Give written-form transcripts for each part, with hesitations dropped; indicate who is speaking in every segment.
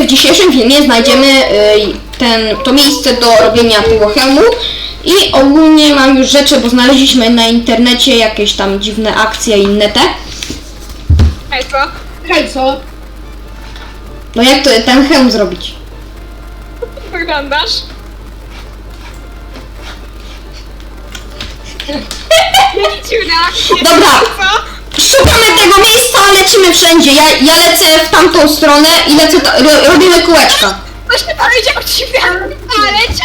Speaker 1: w dzisiejszym filmie znajdziemy to miejsce do robienia tego hełmu i ogólnie mam już rzeczy, bo znaleźliśmy na internecie jakieś tam dziwne akcje i inne te.
Speaker 2: Hej, co?
Speaker 3: Hej, co?
Speaker 1: No jak to ten hełm zrobić?
Speaker 2: Wyglądasz? Jaki dziwny akcje.
Speaker 1: Dobra.
Speaker 2: Co?
Speaker 1: Szukamy tego miejsca, lecimy wszędzie. Ja lecę w tamtą stronę i lecę, robimy kółeczka.
Speaker 2: Coś ty powiedział ci, ale cię...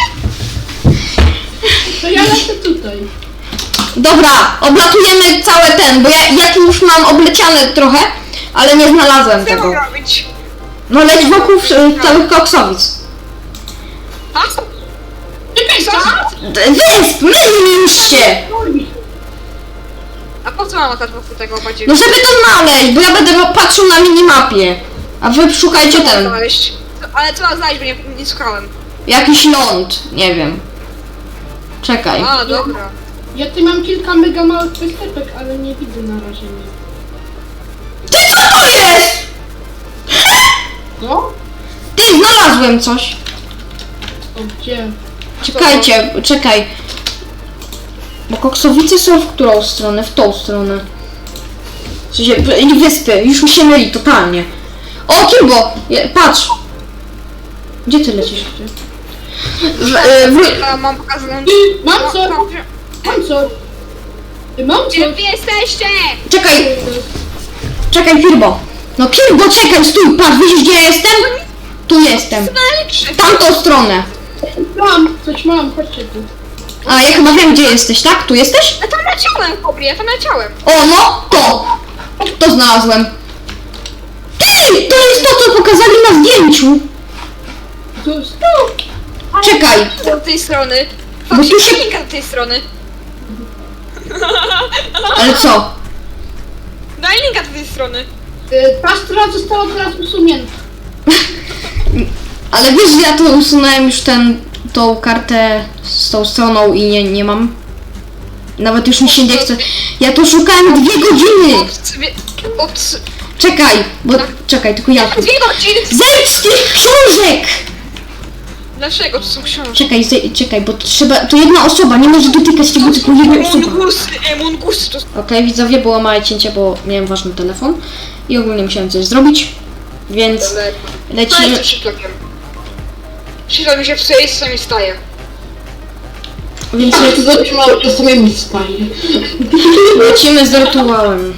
Speaker 3: To ja lecę tutaj.
Speaker 1: Dobra, oblatujemy całe ten, bo ja tu już mam obleciane trochę, ale nie znalazłem
Speaker 2: Co mam
Speaker 1: tego.
Speaker 2: robić?
Speaker 1: No leć wokół całych koksowic.
Speaker 2: A?
Speaker 3: Czekaj, co?
Speaker 1: Wysp, myliście!
Speaker 2: A po co mam latać wokół tego bardziej?
Speaker 1: No żeby to znaleźć, bo ja będę patrzył na minimapie. A wy szukajcie
Speaker 2: Co mam
Speaker 1: ten.
Speaker 2: znaleźć? Ale co mam znaleźć, bo nie szukałem.
Speaker 1: Jakiś ląd, nie wiem. Czekaj.
Speaker 2: A, dobra.
Speaker 3: Ja tu mam kilka mega małych występek, ale nie widzę na razie nic.
Speaker 1: Ty co to jest?
Speaker 3: Co?
Speaker 1: Ty, znalazłem coś.
Speaker 3: O, gdzie?
Speaker 1: Czekaj. Bo koksowice są w którą stronę? W tą stronę. W sensie, wyspy, już mi się myli totalnie. O, Kimbo! Patrz! Gdzie ty lecisz?
Speaker 2: Mam pokazaną...
Speaker 3: Mam co? Mam co? Mam
Speaker 2: Gdzie
Speaker 3: co?
Speaker 2: wy jesteście?
Speaker 1: Czekaj, Kirbo! No Kirbo, czekaj, stój, patrz, widzisz gdzie ja jestem? Tu jestem.
Speaker 2: Najlepsze.
Speaker 1: Tamtą stronę.
Speaker 3: Coś mam, chodźcie tu.
Speaker 1: A, ja chyba wiem gdzie jesteś, tak? Tu jesteś?
Speaker 2: Ja tam leciałem, chłopie, ja tam leciałem.
Speaker 1: O, no, to znalazłem. Ty, to jest to, co pokazali na zdjęciu.
Speaker 3: Tu, tu!
Speaker 1: Czekaj.
Speaker 2: Do tej strony.
Speaker 1: Bo tu
Speaker 2: Faktycznie
Speaker 1: się-
Speaker 2: linka do tej strony.
Speaker 1: Ale co?
Speaker 2: Daj linka do tej strony.
Speaker 3: Ta strona została teraz usunięta.
Speaker 1: Ale wiesz, że ja to usunąłem już tą kartę z tą stroną i nie mam. Nawet już mi się nie chce. Ja tu szukałem 2 godziny. Czekaj, tylko ja.
Speaker 2: 2 godziny!
Speaker 1: Zejdź z tych książek!
Speaker 2: Dlaczego to są książki?
Speaker 1: Czekaj, bo to jedna osoba, nie może dotykać tego, tylko jedna osoba.
Speaker 2: Mungusy to...
Speaker 1: Okej, widzowie, było małe cięcie, bo miałem ważny telefon i ogólnie musiałem coś zrobić, więc lecimy.
Speaker 2: Co szyblakiem? Szybla mi się psuje i czasami staje.
Speaker 1: Więc
Speaker 3: To coś mało czasami mi staje.
Speaker 1: lecimy z rytuałem.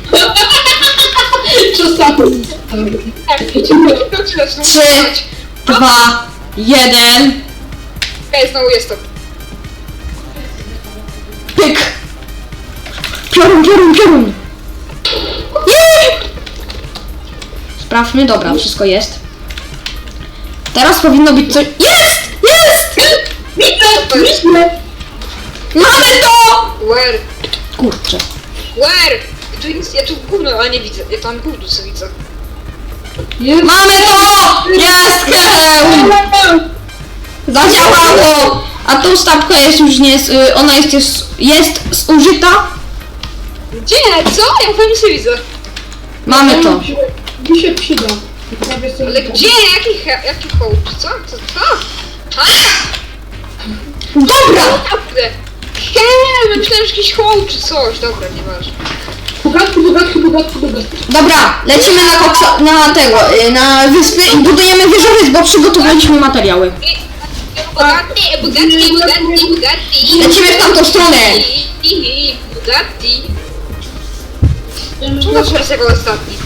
Speaker 3: Czasami.
Speaker 1: 3, 2, 1,
Speaker 2: Okej, znowu jestem.
Speaker 1: pyk! Piorun! Jej! Sprawdźmy, dobra, wszystko jest. Teraz powinno być coś... Jest! Mamy to!
Speaker 2: Where?
Speaker 1: Kurczę.
Speaker 2: Where? Ja tu gówno, ale nie widzę. Ja tam gówno co widzę.
Speaker 1: Mamy to! Jest! Heheł! Zadziałało! A tą stawka jest już nie... Ona jest zużyta.
Speaker 2: Gdzie? Co? Ja w nic nie widzę.
Speaker 1: Mamy to.
Speaker 3: Mi się przyda.
Speaker 2: Ale gdzie? Jaki hołd? Co? A?
Speaker 1: Dobra!
Speaker 2: Naprawdę. Hej, myślałem, że jakiś hołd czy coś. Dobra, nieważne.
Speaker 3: Bogatki.
Speaker 1: Dobra, lecimy na wyspy i budujemy wieżowiec, bo przygotowaliśmy materiały.
Speaker 2: Bugatti.
Speaker 1: Lecimy w tamtą stronę.
Speaker 2: Bugatti. Czemu masz wersję jako ostatni?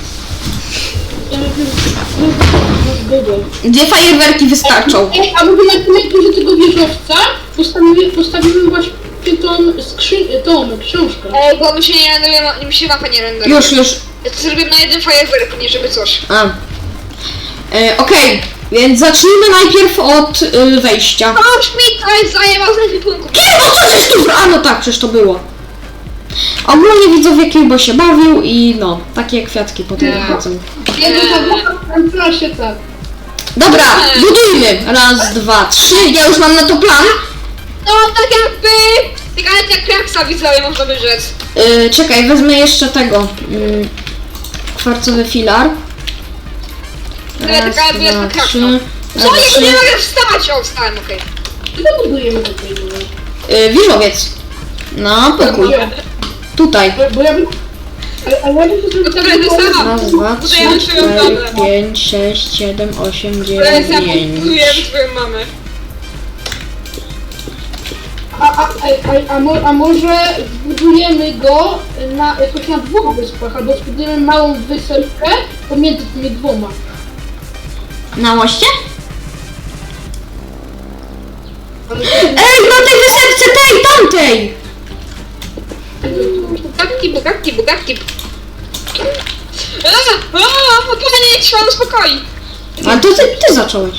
Speaker 1: 2 fajerwerki wystarczą.
Speaker 3: Ej, a mówię na tym tego wieżowca postawimy właśnie tą książkę.
Speaker 2: Ej, bo mi się mapa nie renderuje.
Speaker 1: Już.
Speaker 2: Ja to zrobiłem na jeden fajerwerk, nie żeby coś.
Speaker 1: Okej, więc zacznijmy najpierw od wejścia.
Speaker 2: Chodź mi, to jest zajebał z ekwipunku.
Speaker 1: Kilbo, co żeś tu... A no tak, przecież to było. Ogólnie widzowie Kilbo się bawił i no, takie kwiatki potem wychodzą.
Speaker 3: Proszę tak.
Speaker 1: Dobra, budujmy. 1, 2, 3. Ja już mam na to plan.
Speaker 2: No tak jakby... Tak jak kraksa widzowie można by rzec.
Speaker 1: Czekaj, wezmę jeszcze tego. Kwarcowy filar. Raz,
Speaker 2: taka jakby
Speaker 1: dwa,
Speaker 2: jest kraksa.
Speaker 1: trzy.
Speaker 2: Co? Ja nie mogę wstać! O, wstałem, okej.
Speaker 3: Co budujemy do tego?
Speaker 1: Wieżowiec. Na pokój. Tutaj.
Speaker 3: Bo ja bym... Ale ja bym to zrobił
Speaker 2: Dobra, to
Speaker 3: tak,
Speaker 2: sama.
Speaker 1: Raz, dwa, trzy,
Speaker 2: Budujemy swoją
Speaker 1: cztery,
Speaker 2: domę.
Speaker 1: 5, 6, 7, 8,
Speaker 2: Teraz ja
Speaker 1: 9.
Speaker 2: budujemy swoją mamę.
Speaker 3: A może zbudujemy go jakoś na dwóch wyspach, albo zbudujemy małą wysepkę pomiędzy tymi dwoma.
Speaker 1: Na moście?
Speaker 3: Ale
Speaker 1: Ej, na tej wysepce tej, tamtej!
Speaker 2: Bugatki. Podpalenie nie trwa, uspokoi.
Speaker 1: A to ty zacząłeś.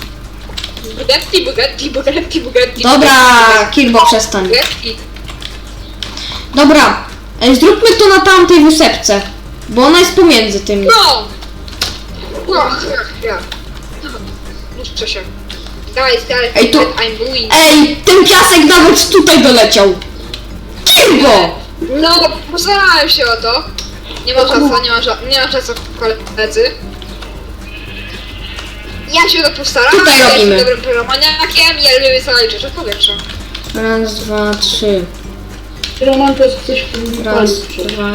Speaker 2: Bugatti.
Speaker 1: Dobra, Kirbo, przestań.
Speaker 2: Bugatti.
Speaker 1: Dobra, zróbmy to na tamtej wysepce. Bo ona jest pomiędzy tymi.
Speaker 2: No! Ja. Muszę się. Guys,
Speaker 1: Ej, tu-
Speaker 2: I'm doing.
Speaker 1: Ej, ten piasek nawet tutaj doleciał. Kirbo!
Speaker 2: No, postarałem się o to. Nie ma czasu, koledzy. Ja się to postaram.
Speaker 1: Tutaj
Speaker 2: ja
Speaker 1: robimy.
Speaker 2: jestem dobrym pyromaniakiem, ja lubię sobie rzeczy w powietrzu.
Speaker 1: Raz, dwa, trzy.
Speaker 3: Roman to jest coś w tym
Speaker 1: Raz,
Speaker 3: palić.
Speaker 1: dwa.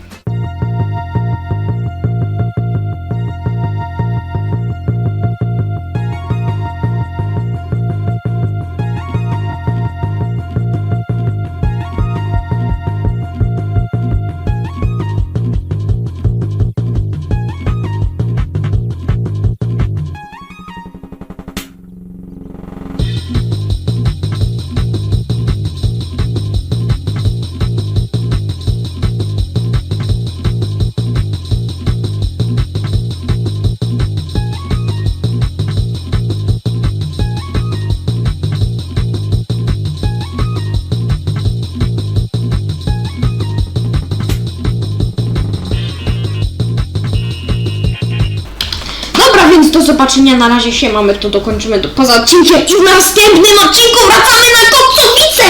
Speaker 1: Dobra, więc do zobaczenia, na razie się mamy, to dokończymy poza odcinkiem i w następnym odcinku wracamy na Koksowicę!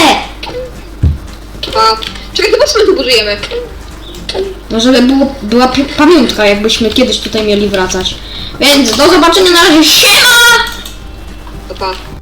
Speaker 2: A, czekaj, to po co my tu budujemy?
Speaker 1: No żeby była pamiątka, jakbyśmy kiedyś tutaj mieli wracać. Więc do zobaczenia, na razie, siema!
Speaker 2: To pa.